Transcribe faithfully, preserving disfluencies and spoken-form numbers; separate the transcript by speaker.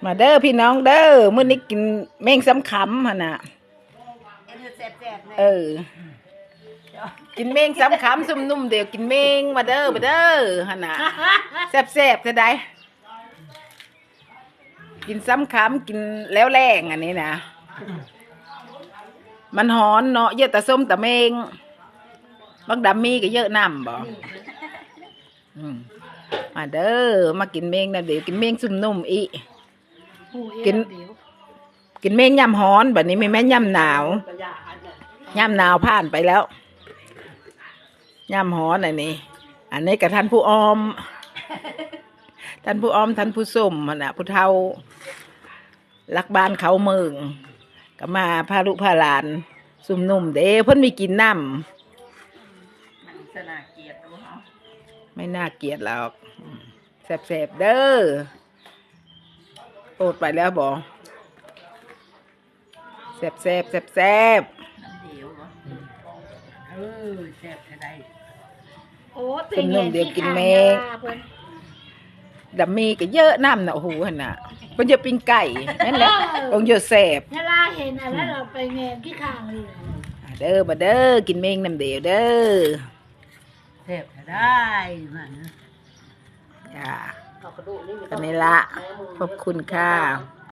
Speaker 1: มาเด้อพี่น้องเด้อมื้อนี้กินแมงสำขำหั่นน่ะเออกินแมงสำขำซุ่มนุ่มเดี๋ยวกินแมงมาเด้อมาเด้อหั่นน่ะแซ่บๆจะได้กินสำขำกินแล้วแรงอันนี้นะมันหอนเนาะเยอะแต่ส้มแต่แมงบางดำมีก็เยอะน้ำบ่มาเด้อมากินแมงนะเดี๋ยวกินแมงซุ่มนุ่มอีกินกินแมงยำฮ้อนแบบนี้ไม่แม่ยำหนาวยำหนาวผ่านไปแล้วยำฮ้อนอันนี้อันนี้กับท่านผู้ออมท่านผู้ออมท่านผู้ส้มนะผู้เฒ่ารักบ้านเขาเมืองก็มาพาลูกพาหลานซุ่มนุ่มเด้เพิ่นมีกินน้ำไม่น่าเกลียดหรอกแสบๆเด้อโอดไปแล้วบอกแซ่บแซ่บแซ่บแซ่บเออแซ่บจะได้โอ้เป็นนุ่มเดียวกินแมงดับมีก็เยอะน้ำน่ะโอ้โหหั่นน่ะเป็นเยอะปิ้งไก่นั่นแหละองเยอะแซ่บ
Speaker 2: ถ้าล่าเห็นอะไรเราไปเงนที่ข้างเลย
Speaker 1: เด้อมาเด้อกินแมงน้ำเดียวเด้อ
Speaker 3: แซ่บจะได้มัน
Speaker 1: จ้าตอนนี้ละขอบคุณค่ะ